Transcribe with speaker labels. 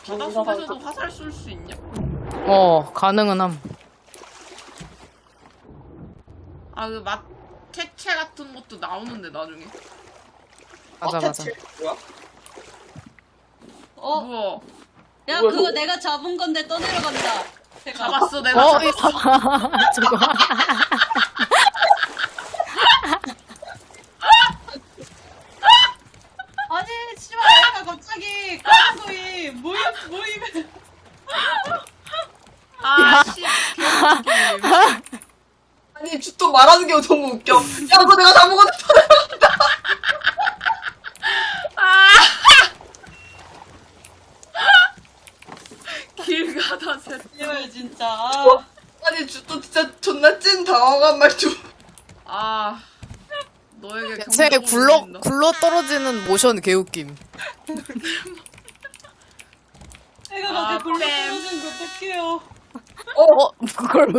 Speaker 1: 바닷속에서도 화살 쏠 수 있냐?
Speaker 2: 가능은 함.
Speaker 1: 아, 그 퇴체 같은 것도 나오는데, 나중에.
Speaker 2: 맞아.
Speaker 3: 뭐야?
Speaker 1: 우와.
Speaker 4: 야,
Speaker 3: 뭐야,
Speaker 4: 그거
Speaker 3: 저거?
Speaker 4: 내가 잡은 건데 떠내려간다. 제가.
Speaker 1: 잡았어, 내가 잡았어.
Speaker 2: 저거.
Speaker 4: 아니, 씨발, 애가 갑자기 까만소이 모임을.
Speaker 1: 아, 씨. 개웃기게.
Speaker 3: 아니 주또 말하는 게 너무 웃겨. 야 그거 내가 다 먹었는데.
Speaker 1: 길 가다 새.
Speaker 4: 이걸 진짜. 아.
Speaker 3: 아니 주또 진짜 존나 찐 당황한 말투.
Speaker 1: 아. 너에게
Speaker 2: 새
Speaker 1: 경고를
Speaker 2: 굴러 떨어지는 모션 개웃김.
Speaker 4: 애가
Speaker 1: 아,
Speaker 4: 갑자기 굴러
Speaker 1: 뺨.
Speaker 4: 떨어지는 거 어떡해요.
Speaker 2: 그걸